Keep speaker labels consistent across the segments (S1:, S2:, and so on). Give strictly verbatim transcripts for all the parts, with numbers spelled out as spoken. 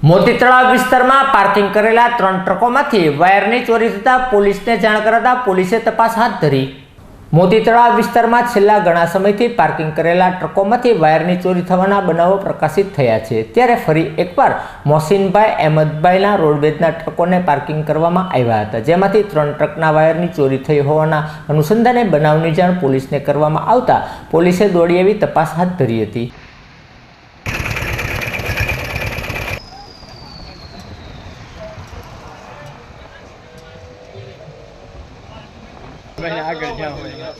S1: મોતી તળાવ વિસ્તારમાં પાર્કિંગ કરેલા ત્રણ ટ્રકોમાંથી વાયરની ચોરી થતા પોલીસને જાણ કરાતા પોલીસે તપાસ હાથ ધરી। મોતી તળાવ વિસ્તારમાં છેલ્લા ઘણા સમયથી પાર્કિંગ કરેલા ટ્રકોમાંથી વાયરની ચોરી થવાના બનાવો પ્રકાશિત થયા છે। ત્યારે ફરી એકવાર મોહસીનભાઈ અહેમદભાઈના રોડવેજના ટ્રકોને પાર્કિંગ કરવામાં આવ્યા હતા, જેમાંથી ત્રણ ટ્રકના વાયરની ચોરી થઈ હોવાના અનુસંધાને બનાવની જાણ પોલીસને કરવામાં આવતા પોલીસે દોડી આવી તપાસ હાથ ધરી હતી।
S2: આગળ જાઓ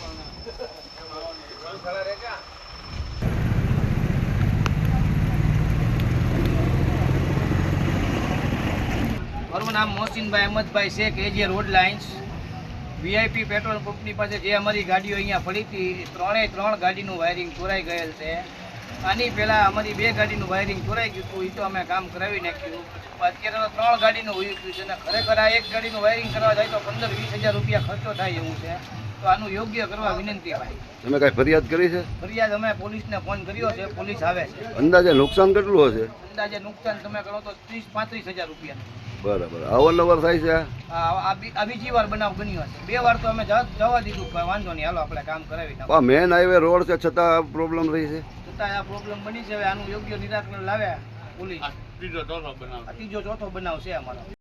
S3: મારું નામ મોહસીનભાઈ અહેમદભાઈ છે કે જે રોડ લાઇન્સ વીઆઈપી પેટ્રોલ પંપની પાસે જે અમારી ગાડીઓ અહીંયા પડી હતી, ત્રણેય ત્રણ ગાડીનું વાયરિંગ ચોરાઈ ગયેલ છે। આની પહેલાં અમારી બે ગાડીનું વાયરિંગ ચોરાઈ ગયું હતું, એ તો અમે કામ કરાવી નાખ્યું। અત્યારે તો ત્રણ ગાડીનું હોઈ ગયું છે અને ખરેખર આ એક ગાડીનું વાયરિંગ કરવા જાય તો પંદર વીસ હજાર રૂપિયા ખર્ચો થાય એવું છે। તો આનું યોગ્ય કરવા વિનંતી ભાઈ।
S4: તમે કઈ ફરિયાદ કરી છે?
S3: ફરિયાદ અમે પોલીસને ફોન કર્યો છે, પોલીસ આવે છે।
S4: અંદાજે નુકસાન કેટલું હશે?
S3: અંદાજે નુકસાન તમે કરો તો ત્રીસ પાંત્રીસ હજાર રૂપિયા।
S4: બરાબર, અવારનવાર થાય છે?
S3: આ આ બીજી વાર બનાવ બન્યો હશે, બે વાર તો અમે જવા દીધું, વાંધો નહીં, હાલો આપણે કામ કરાવી નાખો।
S4: મેન હાઈવે રોડ છે છતાં પ્રોબ્લેમ રહી છે,
S3: છતાં આ પ્રોબ્લેમ બની છે। હવે આનું યોગ્ય નિરાકરણ લાવ્યા પોલીસ। ત્રીજો ચોથો બનાવ ત્રીજો ચોથો બનાવ છે અમારો।